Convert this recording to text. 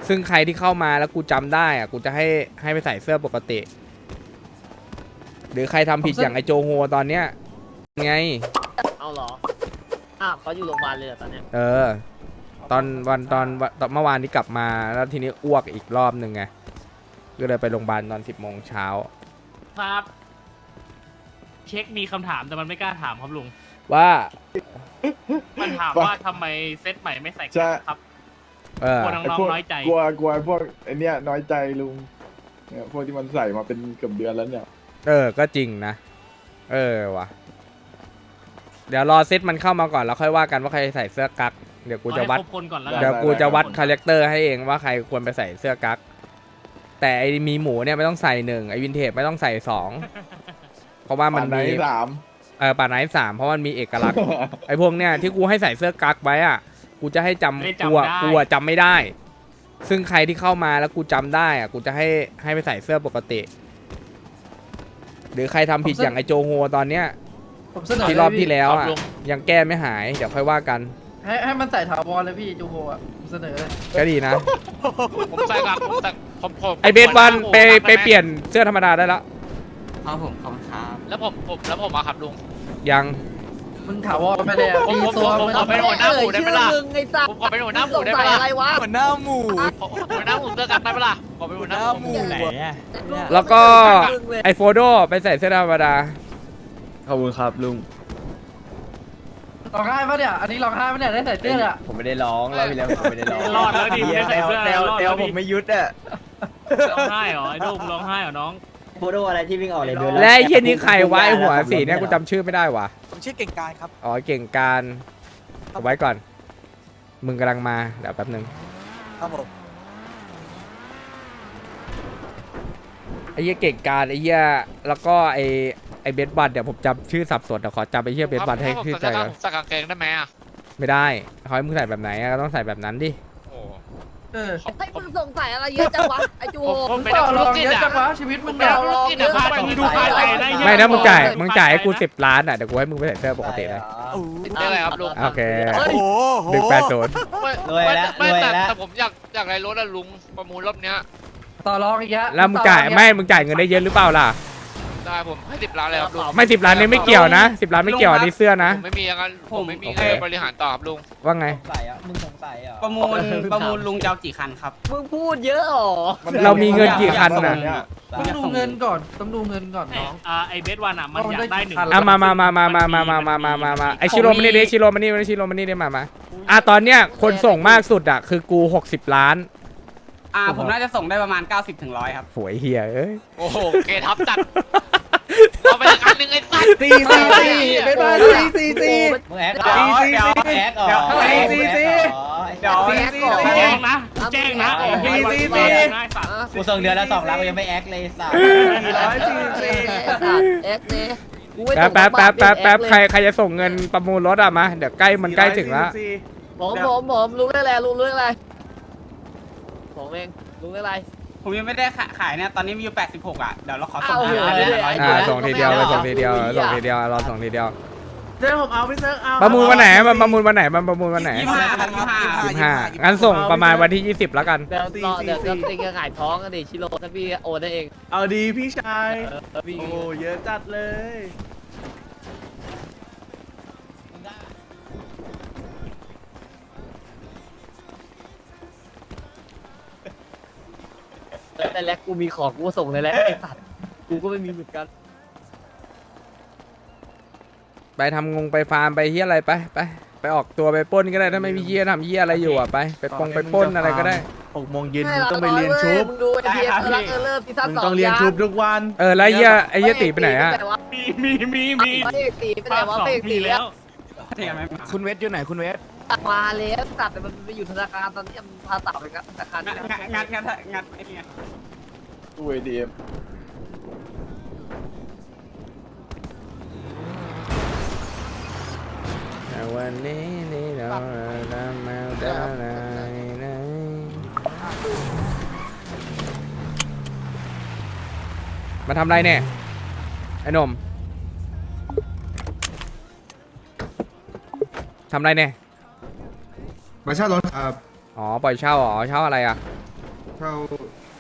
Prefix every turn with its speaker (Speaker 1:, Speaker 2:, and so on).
Speaker 1: ซึ่งใครที่เข้ามาแล้วกูจำได้อะกูจะให้ไปใส่เสื้อปกติ หรือใครทำผิดอย่างไอโจโฮตอนเนี้ยไง
Speaker 2: เอาเหรอเขาอยู่โรงพยาบาลเลยเหรอตอนเนี้ย
Speaker 1: ตอนเมื่อวานนี้กลับมาแล้วทีนี้อ้วกอีกรอบหนึ่งไงก็เลยไปโรงพยาบาลตอน10 โมงเช้า
Speaker 3: ครับเช็คมีคำถามแต่มันไม่กล้าถามครับลุง
Speaker 1: ว่า
Speaker 3: มันถามว่าทำไมเซตใหม่ไม่ใส่
Speaker 4: ใช่
Speaker 3: ครับ
Speaker 1: เออก
Speaker 3: ลัวน้องๆน้อยใจ
Speaker 4: กลัวพวกไอเนี้ยน้อยใจลุงเนี่ยพวกที่มันใส่มาเป็นเกือบเดือนแล้วเนี่ย
Speaker 1: ก็จริงนะว่ะเดี๋ยวรอเซตมันเข้ามาก่อนแล้วค่อยว่ากันว่าใครใส่เสื้อกั๊กเดี๋ยวกูจะวัด
Speaker 3: เอาให้ครบคนก่อนแล้ว
Speaker 1: เดี๋ยวกูจะวัดคาแรคเตอร์ให้เองว่าใครควรไปใส่เสื้อกั๊กแต่ไอมีหมูเนี่ยไม่ต้องใส่1ไอวินเทจไม่ต้องใส่2เพราะว่ามันมี
Speaker 4: ป่าไห
Speaker 1: ป่าไหน3เพราะมันมีเอกลักษณ์ ไอพวกเนี่ยที่กูให้ใส่เสื้อกั๊กไว้อ่ะกูจะให้จำกูจำไม่ได้ ซึ่งใครที่เข้ามาแล้วกูจำได้อ่ะกูจะให้ไปใส่เสื้อปกติ หรือใครทำผิดอย่างไอโจโฮตอนเนี้ย
Speaker 5: ผมเสนอ
Speaker 1: ที่รอบที่แล้วอ่ะยังแก้ไม่หายเดี๋ยวค่อยว่ากัน
Speaker 5: ให้มันใส่ถาวรเลยพี่จูโฮอ่ะผมเสนอเลย
Speaker 1: ก็ดีนะ
Speaker 6: ผมใส่ครับผม
Speaker 1: ไอเบสวันไปเปลี่ยนเสื้อธรรมดาได้แล้ว
Speaker 7: ครับผมขอบคุณครับ
Speaker 6: แล้วผมอะครับลุง
Speaker 1: ยัง
Speaker 5: มึงถาวรไม่ได้อะ
Speaker 6: ผม
Speaker 5: มีตัว
Speaker 6: ผม
Speaker 5: มัน
Speaker 6: ขอเป็นหัวหน้าหมู่ได้ไหมล่ะ
Speaker 2: ชื่อมึงไอ้สัต
Speaker 6: ผ
Speaker 2: ว์
Speaker 6: มขอเป็นหัวหน้าหมู่ได้ไหม
Speaker 2: มึงสงสัย
Speaker 6: ล่ะ
Speaker 2: อะไรวะ
Speaker 7: หัวหน้าหมู่
Speaker 6: หัวหน้าหมู่เสื้อกันได้ไหมล่ะขอเป็นหัวหน้าหมู่
Speaker 7: ไหนอ่ะ
Speaker 1: แล้วก็
Speaker 2: มึงเลย
Speaker 1: ไอโฟโดไปใส่เสื้อธรรมดา
Speaker 8: ขอบคุณครับลุง
Speaker 5: ร้องไห้ปะเนี่ยอันนี้ร้องไห้ปะเนี่ยได้ใส่เสื้ออ่ะ
Speaker 8: ผมไม่ได้ร้องรอบที่แล้วผมไม่ได้ร้อง
Speaker 3: รอดแล้วดิไม่ได้ใส่เสื้อ
Speaker 8: แตว
Speaker 3: รอด
Speaker 8: แต
Speaker 3: แล้ว ว
Speaker 8: ผ
Speaker 3: ดิ
Speaker 8: มไม่ยุดอ่ะ
Speaker 3: ร้องไห้เหรอไอ้ลูกร้องไห้เหรอน้อง
Speaker 7: โฟโต้อะไรที่วิ่งออกเลยดู
Speaker 1: และไอ้เหี้ยนี่ใครวะไอหัวสีเนี่ยกูจำชื่อไม่ได้วะ
Speaker 7: ผมชื่อเก่งกายครับ
Speaker 1: อ๋อเก่งการเอาไว้ก่อน มึงกำลังมาเดี๋ยวแป๊บนึง
Speaker 7: ครับผม
Speaker 1: ไอ้เหี้ยเก่งการไอ้เหี้ยแล้วก็ไอเบสบัตเดี๋ยวผมจำชื่อสับสนเดี๋ยวขอจำไอ้เหี้ยเบสบัตให้ชื่อใจก่อน
Speaker 6: ใส่กางเกงได้ไหมอะ
Speaker 1: ไม่ได้เขาให้มึงใส่แบบไหนอะก็ต้องใส่แบบนั้นดิ
Speaker 6: โอ้
Speaker 5: เออ
Speaker 2: ให้มึงสงสัยอะไรเยอะจังวะไอ้จูโฮ
Speaker 6: ผมเป็น
Speaker 5: ต่
Speaker 6: นั
Speaker 5: อก
Speaker 6: ธุ
Speaker 5: ร
Speaker 6: ร
Speaker 5: อง
Speaker 6: กิจ
Speaker 5: เยอะ
Speaker 6: อะ
Speaker 5: จังวะชีวิตมึง
Speaker 6: เป็
Speaker 5: เนี่ย
Speaker 6: นนักธุรกิจอะ
Speaker 3: ค่ามึงดูค่าใจนะ
Speaker 1: ไม่นะมึงจ่าย
Speaker 3: ค่าใจ
Speaker 1: มึงจ่ายให้กู10 ล้านอ่ะเดี๋ยวกูให้มึงไปใส่เสื้อปกติเลย
Speaker 6: ได้เลยครับลุง
Speaker 1: โอเค
Speaker 7: โอ้โห
Speaker 1: 180
Speaker 7: รวยแล้ว
Speaker 6: ไม่
Speaker 7: รวย
Speaker 6: แต่
Speaker 7: แล้ว
Speaker 6: แต่ผมอยากได้รถอะลุงประมูลรอบเนี้ย
Speaker 5: ต่อรองอีกแล้ว
Speaker 1: แล้วมึงจ่ายไม่มึงจ่ายเงินได้เยอะหรือเปล่าล่ะ
Speaker 6: ได้ผมให้10 ล้านเลยครับลุง
Speaker 1: ไม่10 ล้านนี่ไม่เกี่ยวนะ10 ล้านไม่เกี่ยวอันนี้เสื้อนะ
Speaker 6: ผมไม่มีอย่างนั้นผมไม่มี
Speaker 1: โอเค
Speaker 6: เงินบริหารต่อครับลุง
Speaker 1: ว่าไง
Speaker 7: สงสัยอ่ะมึงสงสัยอ่ะ
Speaker 9: ประมูลลุงจะเอากี่คันครับ
Speaker 2: มึงพูดเยอะหรอ
Speaker 1: เรามีเงินกี่คันน่ะ
Speaker 5: ต้องดูเงินก่อนต้องดูเงินก่อนน้อง
Speaker 3: ไอเบสวันอ่ะมันอยากได้หนึ่ง
Speaker 5: เอา
Speaker 1: อ่ะมาไอชิโร่มานี่ดิชิโร่มานี่ได้มาตอนเนี้ยคนส่งมากสุดอ่ะคือกู60 ล้าน
Speaker 9: ผมน่าจะส่งได้ประมาณ 90 ถึง 100 ครับ
Speaker 1: หวยเฮียเอ้ย
Speaker 6: โอ้โหเกทับจัดเอาไปอีกอันหนึงไอ้สัตว์
Speaker 8: ตีเป็นมาตี
Speaker 7: มึงแอคเหรอแอคเหรอ
Speaker 9: เดี๋ยว
Speaker 3: แจ้งนะแจ้งนะไอ้เหี้ยง่ายสัตว์
Speaker 7: กูส่งเดือนละ2 ล้านกูยังไม่แอคเลยสัส
Speaker 2: เอ็กซ์เนี่ยกูไม่
Speaker 1: แป๊บ
Speaker 2: ส่ง
Speaker 1: แป๊บ
Speaker 2: มา
Speaker 1: ใครจะส่งเงินประมูลรถอ่ะมาเดี๋ยวใกล้มันใกล้ถึงแล้ว
Speaker 2: ผมรู้ได้แล้วรู้เรื่องอะไรผมเองรู้เรื่องอะไร
Speaker 9: ผมยังไม่ได้ขายเนี่ย ตอนนี้มีอยู่ 86 อ่ะ เดี๋ยวเราขอส่ง
Speaker 2: เอา
Speaker 9: ให้
Speaker 2: เอา
Speaker 9: เลย
Speaker 1: ส่งทีเดียวเลยส่งทีเดียวรอส่งทีเดียว
Speaker 5: เดี๋ยวผมเอาไปเซิร์ฟเอา
Speaker 1: ประมูลวันไหนมันประมูลวันไหน
Speaker 9: 25 ครับ
Speaker 1: 25งั้นส่งประมาณวันที่20แล้วกัน
Speaker 2: เดี๋ยวติงจะขายท้องกันดิชิโร่ถ้าพี่โอนได้เอง
Speaker 8: เอาดีพี่ชาย
Speaker 2: พี่
Speaker 8: โอ้เยอะจัดเลย
Speaker 2: แต่แรกกูมีของกูส่งเลยแหละไอ้สัตว์กูก็ไม่มีเหมือนกัน
Speaker 1: ไปทำงงไปฟาร์มไปเฮียอะไรไปออกตัวไปปล้นก็ได้ถ้าไม่มีเฮียทำเฮียอะไรอยู่อ่ะไปไปปล้นอะไรก็ได้
Speaker 8: 6 โมงเย็นมึงต้องไปเรียนชุบ
Speaker 2: มึงดูไอ้เพียร์รักเริ่มซีซั่น
Speaker 8: มึง
Speaker 2: 2
Speaker 8: ต้องเรียนชุบทุกวัน
Speaker 1: แล้วไอ้เฮียตีไปไหนอ่ะ
Speaker 3: มี
Speaker 2: เอกตีไปไหน
Speaker 3: ภาคว
Speaker 2: ะ
Speaker 3: สอง
Speaker 2: เอก
Speaker 3: ที
Speaker 2: ตี
Speaker 3: แล้ว
Speaker 7: คุณเวทอยู่ไหนคุณเวท
Speaker 2: มาแล้วตัดแต่มันไปอยู่ธนาคารตอนนี้มันพาตับไปกับธนาคาร
Speaker 9: งัดไอ้เนี่ย
Speaker 4: ตู้ ATM
Speaker 1: วันนี้นี่เราทำมาได้นะมาทำอะไรเนี่ยไอ้หนุ่มทำอะไรเนี่ย
Speaker 10: มาเช่ารถครับ
Speaker 1: อ๋อปล่อยเช่าเหรอเช่าอะไรอ่ะ
Speaker 10: เท่า